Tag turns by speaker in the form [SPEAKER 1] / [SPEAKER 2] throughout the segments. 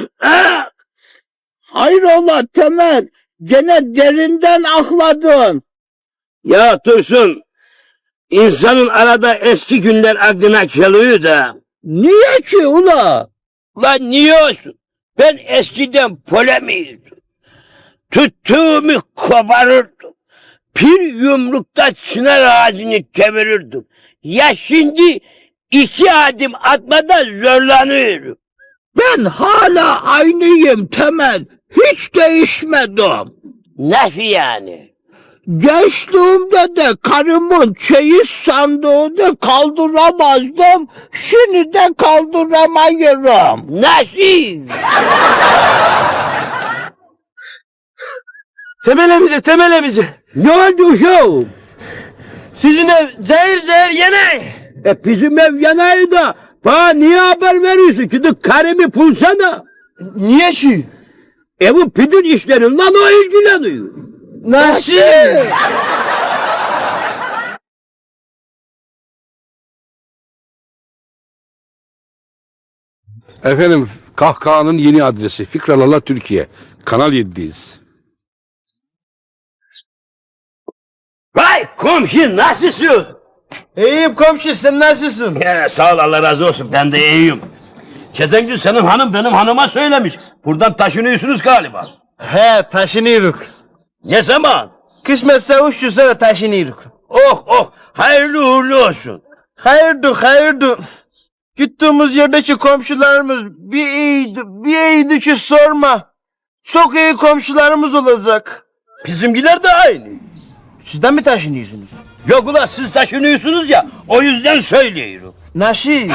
[SPEAKER 1] Hayrola Temel, gene derinden akladın.
[SPEAKER 2] Ya Tursun, insanın arada eski günler aklına geliyor da.
[SPEAKER 1] Niye ki ula?
[SPEAKER 2] Lan niye olsun? Ben eskiden polemiydim. Tuttuğumu koparırdım. Bir yumrukta çınar ağacını kevirirdim. Ya şimdi 2 adım atmada zorlanıyorum.
[SPEAKER 1] Ben hala aynıyım Temel, hiç değişmedim.
[SPEAKER 2] Nasıl yani?
[SPEAKER 1] Gençliğimde de karımın çeyiz sandığını kaldıramazdım, şimdi de kaldıramıyorum.
[SPEAKER 2] Nasıl?
[SPEAKER 3] Temel bize.
[SPEAKER 2] Ne oldu uşağım?
[SPEAKER 3] Sizin ev zehir yene.
[SPEAKER 2] Bizim ev yanaydı da bana niye haber veriyorsun? Gidip karımı bulsana.
[SPEAKER 3] Niye şu?
[SPEAKER 2] Evin pidin işlerinden o ilgileniyor.
[SPEAKER 3] Nasıl?
[SPEAKER 4] Efendim, Kahkaha'nın yeni adresi Fikralala Türkiye. Kanal 7'deyiz.
[SPEAKER 2] Vay komşu nasılsın?
[SPEAKER 3] İyiyim komşu, sen nasılsın?
[SPEAKER 2] Sağ ol Allah razı olsun, ben de iyiyim. Geçen gün senin hanım benim hanıma söylemiş. Buradan taşınıyorsunuz galiba.
[SPEAKER 3] He, taşınıyoruz.
[SPEAKER 2] Ne zaman?
[SPEAKER 3] Kısmetse 300 sene taşınıyoruz.
[SPEAKER 2] Oh hayırlı uğurlu olsun.
[SPEAKER 3] Hayırdır. Gittiğimiz yerdeki komşularımız bir iyiydi ki sorma. Çok iyi komşularımız olacak.
[SPEAKER 2] Bizimkiler de aynı.
[SPEAKER 3] Sizden mi taşınıyorsunuz?
[SPEAKER 2] Yok ulan siz taşınıyorsunuz ya, o yüzden söylüyorum.
[SPEAKER 3] Nasıl?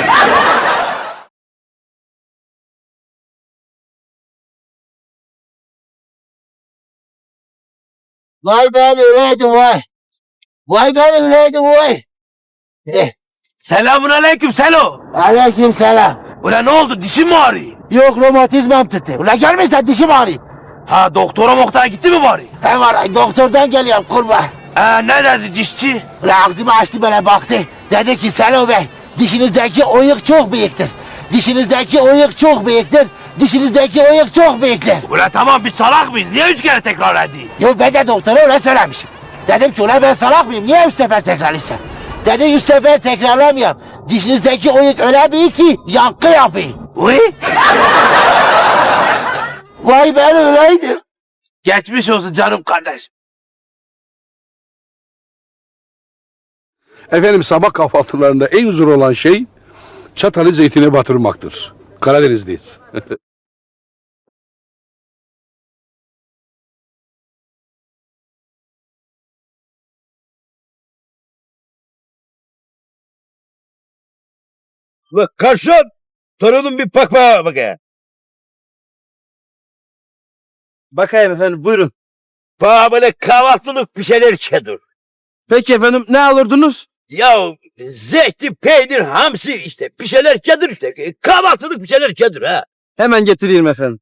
[SPEAKER 5] Vay ben öyleydim vay. Vay ben öyleydim vay.
[SPEAKER 2] Selamun aleyküm Selo.
[SPEAKER 5] Aleyküm selam.
[SPEAKER 2] Ulan ne oldu, dişin mi ağrıyor?
[SPEAKER 5] Yok romatizmam tuttu. Ulan görmüyorsan dişim ağrıyor.
[SPEAKER 2] Ha doktora gitti mi bari?
[SPEAKER 5] He var doktordan geliyorum kurban.
[SPEAKER 2] Ne dedi dişçi?
[SPEAKER 5] Ulan ağzımı açtı böyle baktı. Dedi ki Selo Bey dişinizdeki oyuk çok büyüktür. Dişinizdeki oyuk çok büyüktür. Dişinizdeki oyuk çok büyüktür.
[SPEAKER 2] Ulan tamam biz salak mıyız? Niye 3 kere tekrar edeyim?
[SPEAKER 5] Yo ben de doktora öyle söylemişim. Dedim ki ulan ben salak mıyım? Niye 3 sefer tekrarlıysa? Dedi 100 sefer tekrarlamıyorum. Dişinizdeki oyuk öyle büyük ki yankı yapıyor.
[SPEAKER 2] Uy?
[SPEAKER 5] Vay ben öyleydim.
[SPEAKER 2] Geçmiş olsun canım kardeşim.
[SPEAKER 4] Efendim, sabah kahvaltılarında en zor olan şey çatalı zeytine batırmaktır. Karadeniz'deyiz.
[SPEAKER 2] Bak karşın. Torunum bir bakaya.
[SPEAKER 3] Bakayım efendim, buyurun.
[SPEAKER 2] Bana böyle kahvaltılık bir şeyler çedir.
[SPEAKER 3] Peki efendim, ne alırdınız?
[SPEAKER 2] Ya zeytin, peynir, hamsi işte bir şeyler çedir işte. Kahvaltılık bir şeyler çedir ha.
[SPEAKER 3] Hemen getireyim efendim.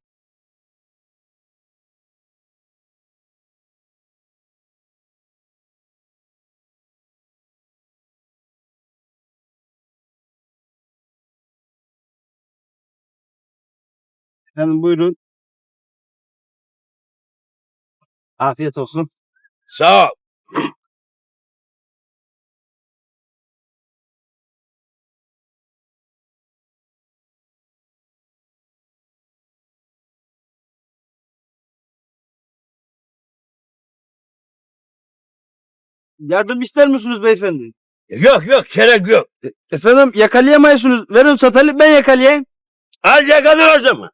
[SPEAKER 3] Efendim buyurun. Afiyet olsun.
[SPEAKER 2] Sağ ol.
[SPEAKER 3] Yardım ister misiniz beyefendi?
[SPEAKER 2] Yok gerek yok.
[SPEAKER 3] Efendim yakalayamıyorsunuz. Verin satalı, ben yakalayayım.
[SPEAKER 2] Al yakala o zaman.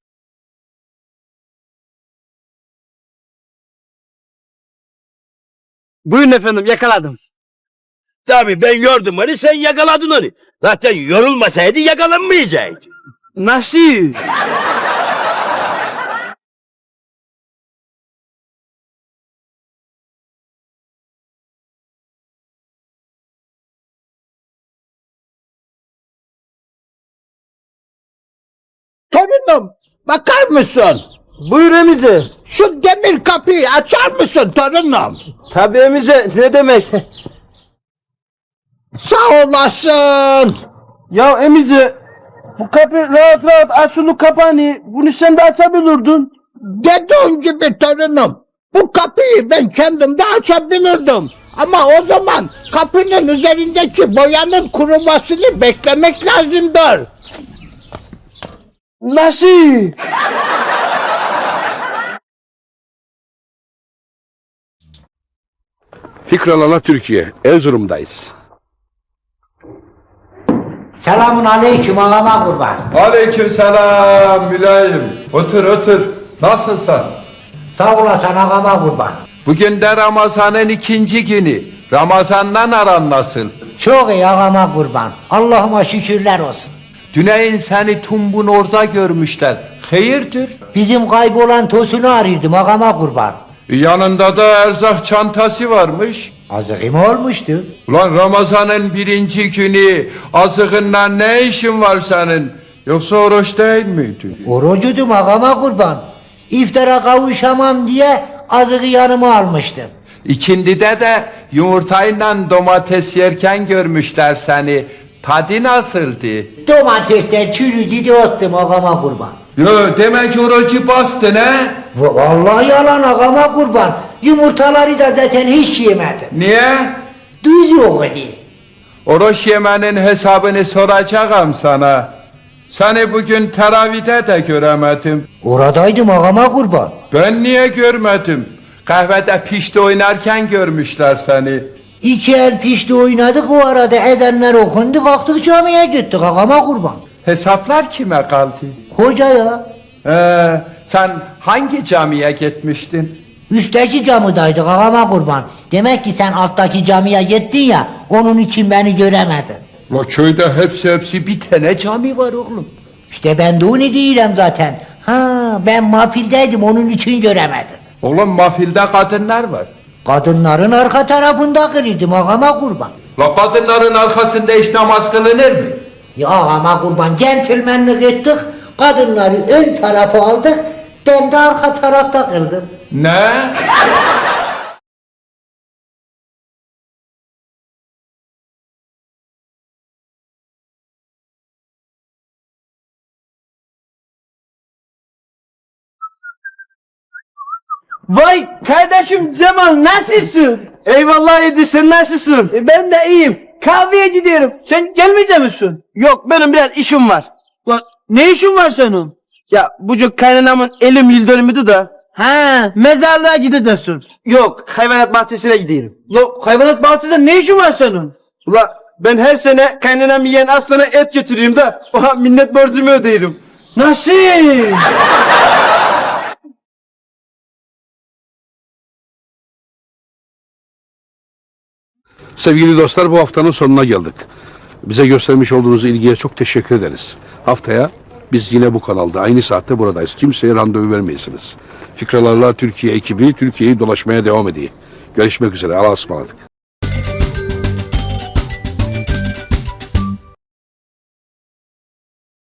[SPEAKER 3] Buyurun efendim, yakaladım.
[SPEAKER 2] Tabii ben gördüm onu, sen yakaladın onu. Zaten yorulmasaydı yakalanmayacaktı.
[SPEAKER 3] Nasıl?
[SPEAKER 1] Torunum, bakar mısın?
[SPEAKER 3] Buyur emice.
[SPEAKER 1] Şu demir kapıyı açar mısın torunum?
[SPEAKER 3] Tabii emice, ne demek?
[SPEAKER 1] Sağ olasın.
[SPEAKER 3] Ya emice, bu kapı rahat rahat açılıp kapanıyor. Bunu sen de açabilirdin.
[SPEAKER 1] Dediğin gibi torunum. Bu kapıyı ben kendim de açabilirdim. Ama o zaman kapının üzerindeki boyanın kurumasını beklemek lazımdır.
[SPEAKER 3] Nasıl?
[SPEAKER 4] Fikralarla Türkiye, Erzurum'dayız.
[SPEAKER 5] Selamun aleyküm ağama kurban.
[SPEAKER 6] Aleykümselam mülayim. Otur otur. Nasılsın?
[SPEAKER 5] Sağ olasın ağama kurban.
[SPEAKER 6] Bugün de Ramazan'ın 2. günü. Ramazan'dan aran nasıl?
[SPEAKER 5] Çok iyi ağama kurban. Allah'ıma şükürler olsun.
[SPEAKER 6] Düneyin seni Tumbun orada görmüşler. Hayırdır?
[SPEAKER 5] Bizim kaybolan tosunu arıyordum ağama kurban.
[SPEAKER 6] Yanında da erzak çantası varmış.
[SPEAKER 5] Azıkım olmuştu.
[SPEAKER 6] Ulan Ramazan'ın 1. günü azığınla ne işin var senin? Yoksa oruç değil miydin?
[SPEAKER 5] Orucudum ağama kurban. İftara kavuşamam diye azığı yanıma almıştım.
[SPEAKER 6] İkindide de yumurtayla domates yerken görmüşler seni. Tadı nasıldı?
[SPEAKER 5] Domatesler çürüdü de attım ağama kurban.
[SPEAKER 6] Yo demek orucu bastın he?
[SPEAKER 5] Vallahi yalan ağama kurban. Yumurtaları da zaten hiç yemedim.
[SPEAKER 6] Niye?
[SPEAKER 5] Düz yok idi.
[SPEAKER 6] Oruç yemenin hesabını soracağım sana. Seni bugün teravide de göremedim.
[SPEAKER 5] Oradaydım ağama kurban.
[SPEAKER 6] Ben niye görmedim? Kahvede pişti oynarken görmüşler seni.
[SPEAKER 5] İki el pişti oynadık, o arada ezanlar okundu, kalktık camiye gittik ağama kurban.
[SPEAKER 6] Hesaplar kime kaldı?
[SPEAKER 5] Hoca ya.
[SPEAKER 6] Sen hangi camiye gitmiştin?
[SPEAKER 5] Üstteki camidaydık ağama kurban. Demek ki sen alttaki camiye gittin ya, onun için beni göremedin.
[SPEAKER 6] La köyde hepsi bir tane cami var oğlum.
[SPEAKER 5] İşte ben de onu değilim zaten. Ha, ben mafildeydim, onun için göremedim.
[SPEAKER 6] Oğlum mafilde kadınlar var.
[SPEAKER 5] Kadınların arka tarafında kırıyordum ağama kurban.
[SPEAKER 6] La kadınların arkasında hiç namaz kılınır mı?
[SPEAKER 5] Ya ağama kurban, centilmenlik ettik, kadınları ön tarafa aldık, ben de arka tarafta kıldım.
[SPEAKER 6] Ne?
[SPEAKER 3] Vay kardeşim Cemal nasılsın? Eyvallah Edi sen nasılsın? Ben de iyiyim. Kahveye gidiyorum. Sen gelmeyecek misin? Yok benim biraz işim var. Lan ne işin var senin? Ya bucuk kaynanamın elim yıl dönümüydü da. Ha mezarlığa gideceksin. Yok hayvanat bahçesine gidiyorum. Lo hayvanat bahçesinde ne işin var senin? Ula ben her sene kaynanam yiyen aslana et götürüyorum da oha minnet borcumu ödeyirim. Nasıl?
[SPEAKER 4] Sevgili dostlar, bu haftanın sonuna geldik. Bize göstermiş olduğunuz ilgiye çok teşekkür ederiz. Haftaya biz yine bu kanalda aynı saatte buradayız. Kimseye randevu vermeyesiniz. Fikralarla Türkiye ekibi Türkiye'yi dolaşmaya devam ediyor. Görüşmek üzere. Allah'a ısmarladık.